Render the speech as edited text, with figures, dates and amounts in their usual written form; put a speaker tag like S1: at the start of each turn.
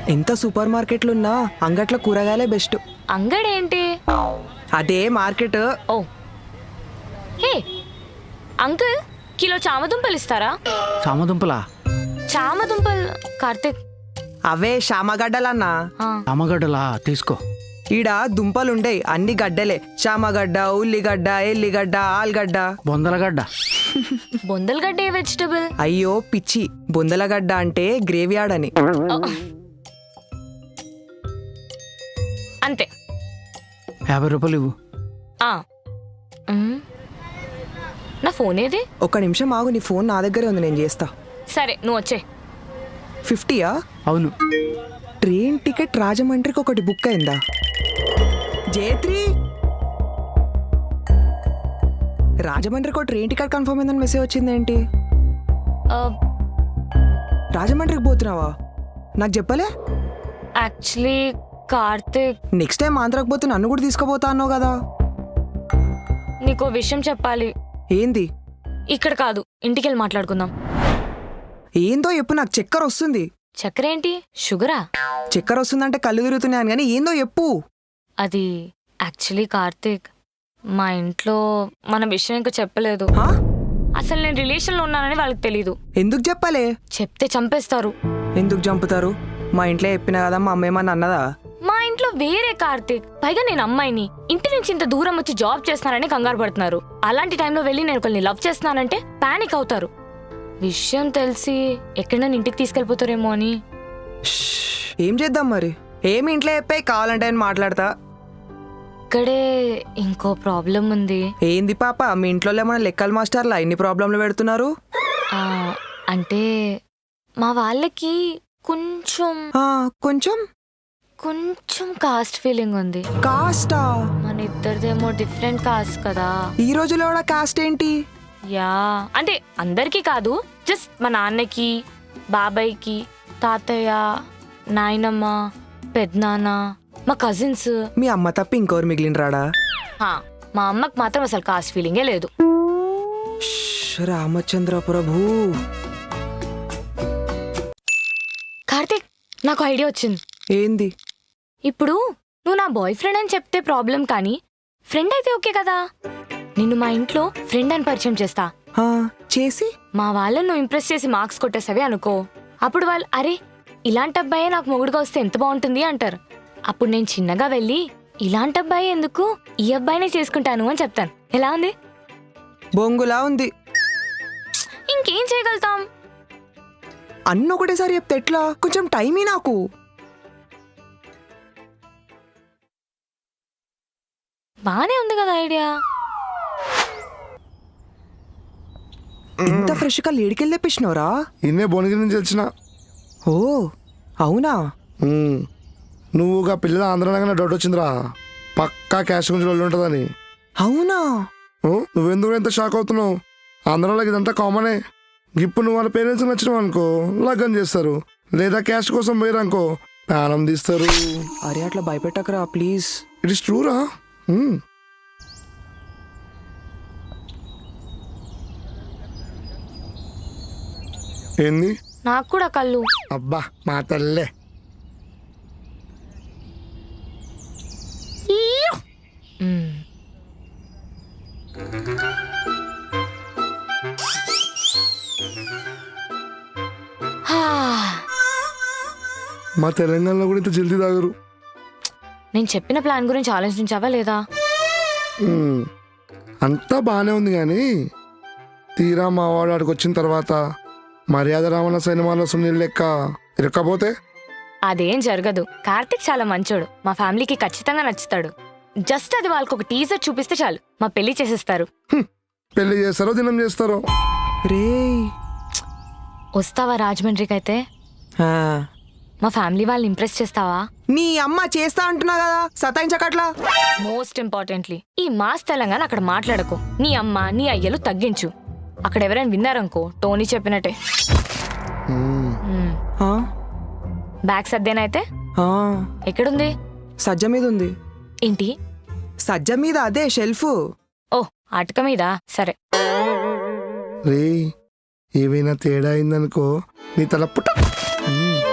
S1: ఎంత super మార్కెట్లున్నా అంగట్ల కూరగాయలే best.
S2: అంగడేంటి?
S1: అదే మార్కెట్.
S2: ఓ హే అంకుల్, కిలో చామదుంపలు ఇస్తారా?
S3: చామదుంపలా?
S2: చామదుంపలు కార్తిక్.
S1: అవే శామగడ్డలన్నా.
S3: చామగడ్డలా? తీసుకో.
S1: ఈడ దుంపలుండయి, అన్ని గడ్డలే. చామగడ్డ, ఉల్లిగడ్డ, ఎల్లిగడ్డ, ఆలుగడ్డ.
S3: బొందలగడ్డ.
S2: బొందలగడ్డ ఏ వెజిటబుల్?
S1: అయ్యో పిచ్చి, బొందలగడ్డ అంటే గ్రేవీ యార్డ్ అని.
S2: అంతే.
S3: 50 రూపాయలు ఇవ్వు.
S2: నా ఫోన్ ఏది?
S1: ఒక్క నిమిషం ఆగు, నీ ఫోన్ నా దగ్గరే ఉంది, నేను చేస్తా.
S2: సరే నువ్వు వచ్చే.
S1: 50యా?
S3: అవును.
S1: ట్రైన్ టికెట్ రాజమండ్రికి ఒకటి బుక్ అయిందా? జేత్రి, రాజమండ్రికి ఒక ట్రైన్ టికెట్ కన్ఫర్మ్ అయిందని మెసేజ్ వచ్చిందేంటి? రాజమండ్రికి పోతున్నావా? నాకు చెప్పలే.
S2: యాక్చువల్లీ కార్తిక్,
S1: నెక్స్ట్ టైం ఆంధ్రాకి పోతే నన్ను కూడా తీసుకుపోతా అన్నావు కదా.
S2: నీకో విషయం చెప్పాలి.
S1: ఏంది?
S2: ఇక్కడ కాదు, ఇంటికి వెళ్ళి మాట్లాడుకుందాం.
S1: ఏందో చెప్పు, నాకు చక్కెర వస్తుంది.
S2: చక్కెర ఏంటి? షుగరా?
S1: చక్కెర వస్తుందంటే కళ్ళు తిరుగుతున్నాను కానీ ఏందో చెప్పు.
S2: అది యాక్చువల్లీ కార్తిక్, మా ఇంట్లో మన విషయం ఇంకా చెప్పలేదు. అసలు నేను రిలేషన్లో ఉన్నానని వాళ్ళకి తెలీదు.
S1: ఎందుకు చెప్పలే?
S2: చెప్తే చంపేస్తారు.
S1: ఎందుకు చంపుతారు? మా ఇంట్లో చెప్పినా కదా, మా అమ్మ ఏమన్నా అన్నదా?
S2: మా ఇంట్లో వేరే కార్తిక్, పైగా నేను అమ్మాయిని, ఇంటి నుంచి ఇంత దూరం వచ్చి జాబ్ చేస్తున్నానని కంగారు పడుతున్నారు. అలాంటి టైంలో వెళ్ళి నేను ఒకరిని లవ్ చేస్తున్నానంటే పానిక్ అవుతారు. విషయం తెలిసి ఎక్కడైనా ఇంటికి తీసుకెళ్ళిపోతారేమో అని.
S1: ఏం చేద్దాం మరి? ఏమి ఇంట్లో చెప్పాయి, కావాలంటే నేను మాట్లాడతా.
S2: ఇక్కడే ఇంకో ప్రాబ్లం ఉంది.
S1: ఏంది పాప, మీ ఇంట్లో ఏమన్నా లెక్కల మాస్టర్లా ఇన్ని ప్రాబ్లంలు పెడుతున్నారు?
S2: అంటే మా వాళ్ళకి కొంచెం
S1: కొంచెం
S2: కొంచెం కాస్ట్ ఫీలింగ్ ఉంది.
S1: కాస్టా?
S2: మన ఇద్దరిదేమో డిఫరెంట్ కాస్ట్ కదా.
S1: ఈ రోజులో కూడా కాస్ట్ ఏంటి?
S2: యా, అంటే అందరికీ కాదు, జస్ట్ మా నాన్నకి, బాబాయ్కి, తాతయ్య, నాయనమ్మ, పెద్దనాన్న, మా కజిన్స్.
S1: మీ అమ్మ తప్ప ఇంకోరు మిగిలిన రాడా?
S2: మా అమ్మకి మాత్రం అసలు కాస్ట్ ఫీలింగే లేదు.
S1: రామచంద్ర ప్రభు.
S2: కార్తిక్, నాకు ఐడియా వచ్చింది.
S1: ఏంది?
S2: ఇప్పుడు నువ్వు నా బాయ్ ఫ్రెండ్ అని చెప్తే ప్రాబ్లం, కానీ ఫ్రెండ్ అయితే ఓకే కదా. నిన్ను మా ఇంట్లో ఫ్రెండ్ అని పరిచయం చేస్తా.
S1: చేసి
S2: మా వాళ్ళని నువ్వు ఇంప్రెస్ చేసి మార్క్స్ కొట్టేసావి అనుకో. అప్పుడు వాళ్ళు, అరే ఇలాంటి అబ్బాయే నాకు మొగుడుగా వస్తే ఎంత బాగుంటుంది అంటారు. అప్పుడు నేను చిన్నగా వెళ్ళి, ఇలాంటి అబ్బాయి ఎందుకు, ఈ అబ్బాయినే చేసుకుంటాను అని చెప్తాను. ఎలా ఉంది?
S1: బొంగులా ఉంది.
S2: ఇంకేం చేయగలుగుతాం?
S1: అన్న ఒకటేసారి చెప్తే ఎట్లా? కొంచెం టైమే నాకు.
S2: బానే ఉంది కదా ఐడియా.
S1: ఇంత ఫ్రెష్ గా లేడికెళ్ళి తెప్పించినవరా?
S4: ఇన్నే భువనగిరి నుంచి వచ్చిన.
S1: ఓ అవునా?
S4: నువ్వుగా పిల్లల ఆంధ్రనగానే డౌట్ వచ్చిందిరా, పక్కా క్యాష్ గురించి వాళ్ళు ఉంటుందని.
S1: అవునా?
S4: నువ్వెందుకు ఎంత షాక్ అవుతున్నావు? ఆంధ్రలోకి ఇదంతా కామనే. ఇప్పుడు నువ్వు వాళ్ళ పేరెంట్స్ నచ్చినావు అనుకో, లగ్గం చేస్తారు. లేదా క్యాష్ కోసం పోయారనుకో, ప్రాణం తీస్తారు.
S1: అరే అట్లా భయపెట్టకరా ప్లీజ్.
S4: ఇట్ ఇస్ ట్రూరా. ఏంది?
S2: నాకు కూడా కళ్ళు.
S4: అబ్బా మా తల్లే. మా తెలంగాణలో కూడా ఇంత జల్దీ తాగరు.
S2: నేను చెప్పిన ప్లాన్ గురించి ఆలోచించావా లేదా?
S4: అంతా బాగానే ఉంది కానీ తీరా మా వాడు ఆడికి వచ్చిన తర్వాత మర్యాద రావణ సినిమాలో సునీల్ లెక్క ఇరక్కపోతే
S2: అదేం జరగదు. కార్తిక్ చాలా మంచోడు, మా ఫ్యామిలీకి ఖచ్చితంగా నచ్చుతాడు. జస్ట్ అది వాళ్ళకి ఒక టీజర్ చూపిస్తే చాలు, మా పెళ్లి చేసేస్తారు.
S4: పెళ్లి చేస్తారో దినం చేస్తారో.
S1: రే
S2: వస్తావా రాజమండ్రికి? అయితే మా ఫ్యామిలీ వాళ్ళని ఇంప్రెస్ చేస్తావా?
S1: నీ అమ్మ చేస్తా అంటున్నా కదా, సతాయించకట్లా.
S2: మోస్ట్ ఇంపార్టెంట్లీ ఈ మాస్ తెలంగాణ అక్కడ మాట్లాడకు. నీ అమ్మ నీ అయ్యలు తగ్గించు. అక్కడ ఎవరైనా విన్నారనుకో, టోనీ చెప్పినట్టే. బ్యాగ్ సర్దేనైతే ఎక్కడుంది?
S1: సజ్జ మీద ఉంది.
S2: ఏంటి
S1: సజ్జ మీద? అదే షెల్ఫ్.
S2: ఓ అటక మీద. సరే.
S4: రే ఏమైనా తేడా అయిందనుకో నీ తల పుట్ట.